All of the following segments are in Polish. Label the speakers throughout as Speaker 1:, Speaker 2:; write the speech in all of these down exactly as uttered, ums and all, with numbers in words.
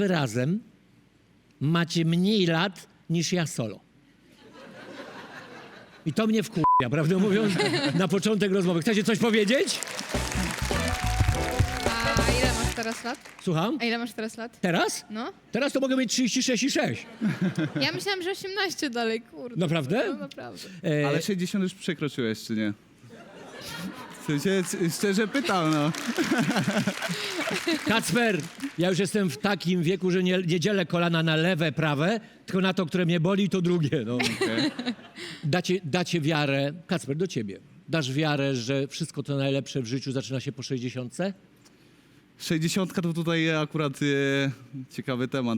Speaker 1: wy razem macie mniej lat niż ja solo. I to mnie wkurwia, prawdę mówiąc, na początek rozmowy. Chcecie coś powiedzieć?
Speaker 2: A ile masz teraz lat?
Speaker 1: Słucham?
Speaker 2: A ile masz teraz lat?
Speaker 1: Teraz?
Speaker 2: No.
Speaker 1: Teraz to mogę mieć trzydzieści sześć i sześć.
Speaker 2: Ja myślałam, że osiemnaście dalej, kurde.
Speaker 1: Naprawdę?
Speaker 2: No naprawdę.
Speaker 1: E,
Speaker 3: Ale sześćdziesiąt już przekroczyłeś, czy nie? W sensie, c- szczerze pytam, no.
Speaker 1: Kacper, ja już jestem w takim wieku, że nie, nie dzielę kolana na lewe, prawe, tylko na to, które mnie boli, to drugie. No.
Speaker 3: Okay.
Speaker 1: Dacie, dacie wiarę, Kacper, do ciebie. Dasz wiarę, że wszystko to najlepsze w życiu zaczyna się po sześćdziesiątce?
Speaker 3: sześćdziesiątka to tutaj akurat e, ciekawy temat.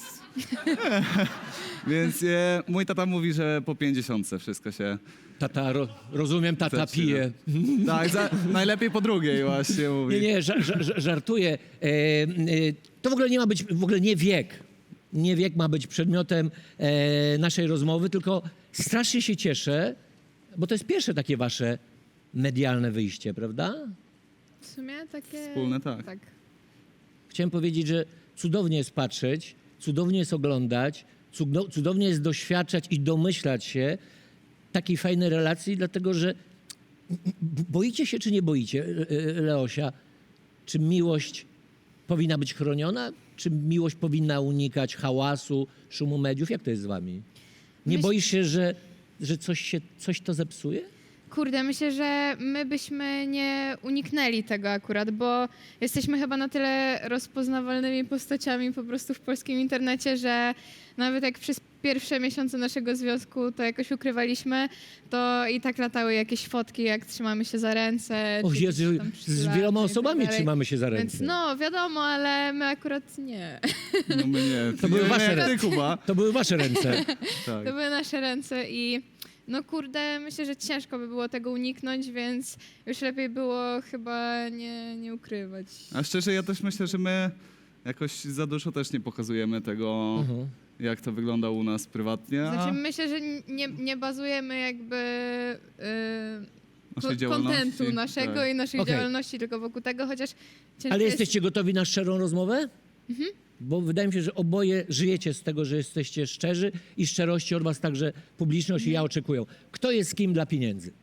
Speaker 3: Więc e, mój tata mówi, że po pięćdziesiątce wszystko się...
Speaker 1: Tata, ro, rozumiem, tata
Speaker 3: zaczyna.
Speaker 1: pije.
Speaker 3: Tak, za, najlepiej po drugiej właśnie mówi.
Speaker 1: Nie, nie, ża, ża, żartuję. E, e, to w ogóle nie ma być, w ogóle nie wiek. Nie wiek ma być przedmiotem e, naszej rozmowy, tylko strasznie się cieszę, bo to jest pierwsze takie wasze medialne wyjście, prawda?
Speaker 2: W sumie takie...
Speaker 3: Wspólne, tak.
Speaker 2: Tak.
Speaker 1: Chciałem powiedzieć, że cudownie jest patrzeć, cudownie jest oglądać, cudo- cudownie jest doświadczać i domyślać się takiej fajnej relacji, dlatego że b- boicie się czy nie boicie, e, e, Leosia, czy miłość powinna być chroniona, czy miłość powinna unikać hałasu, szumu mediów? Jak to jest z wami? Nie
Speaker 2: Myśl-
Speaker 1: boisz się, że, że coś, się, coś to zepsuje?
Speaker 2: Kurde, myślę, że my byśmy nie uniknęli tego akurat, bo jesteśmy chyba na tyle rozpoznawalnymi postaciami po prostu w polskim internecie, że nawet jak przez pierwsze miesiące naszego związku to jakoś ukrywaliśmy, to i tak latały jakieś fotki, jak trzymamy się za ręce.
Speaker 1: O
Speaker 2: czy
Speaker 1: Jezu,
Speaker 2: gdzieś tam
Speaker 1: z
Speaker 2: przytulamy
Speaker 1: wieloma
Speaker 2: i tak
Speaker 1: osobami
Speaker 2: dalej.
Speaker 1: trzymamy się za
Speaker 2: Więc
Speaker 1: ręce.
Speaker 2: no, wiadomo, ale my akurat nie.
Speaker 3: No my nie.
Speaker 1: To były
Speaker 3: nie,
Speaker 1: wasze
Speaker 3: nie,
Speaker 1: ręce.
Speaker 3: ty, Kuba.
Speaker 1: To były wasze ręce.
Speaker 3: Tak.
Speaker 2: To były nasze ręce i no kurde, myślę, że ciężko by było tego uniknąć, więc już lepiej było chyba nie, nie ukrywać.
Speaker 3: A szczerze, ja też myślę, że my jakoś za dużo też nie pokazujemy tego,
Speaker 1: Mhm.
Speaker 3: jak to wygląda u nas prywatnie. A
Speaker 2: Znaczy myślę, że nie, nie bazujemy jakby
Speaker 3: naszej
Speaker 2: yy,
Speaker 3: działalności.
Speaker 2: kontentu naszego
Speaker 3: Tak.
Speaker 2: i naszej
Speaker 1: Okej.
Speaker 2: działalności tylko wokół tego, chociaż ciężko
Speaker 1: Ale
Speaker 2: jest...
Speaker 1: jesteście gotowi na szczerą rozmowę? Bo wydaje mi się, że oboje żyjecie z tego, że jesteście szczerzy i szczerości od was także publiczność i ja oczekują. Kto jest z kim dla pieniędzy?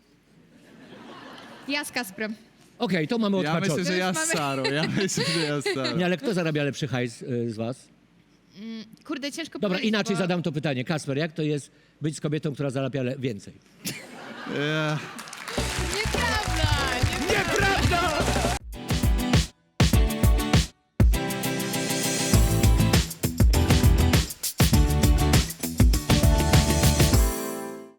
Speaker 2: Ja z Kasprem.
Speaker 1: Okej, to mamy
Speaker 3: Ja
Speaker 1: odhaczone.
Speaker 3: myślę, że ja
Speaker 2: Już
Speaker 3: z
Speaker 2: mamy-
Speaker 3: Sarą. Ja myślę, że ja z Sarą.
Speaker 1: Nie, ale kto zarabia lepszy hajs y, z was?
Speaker 2: Kurde, ciężko
Speaker 1: Dobra,
Speaker 2: powiedzieć,
Speaker 1: inaczej
Speaker 2: bo...
Speaker 1: zadam to pytanie. Kasper, jak to jest być z kobietą, która zarabia le- więcej?
Speaker 3: E,
Speaker 2: Nieprawda! Nieprawda!
Speaker 1: Nieprawda!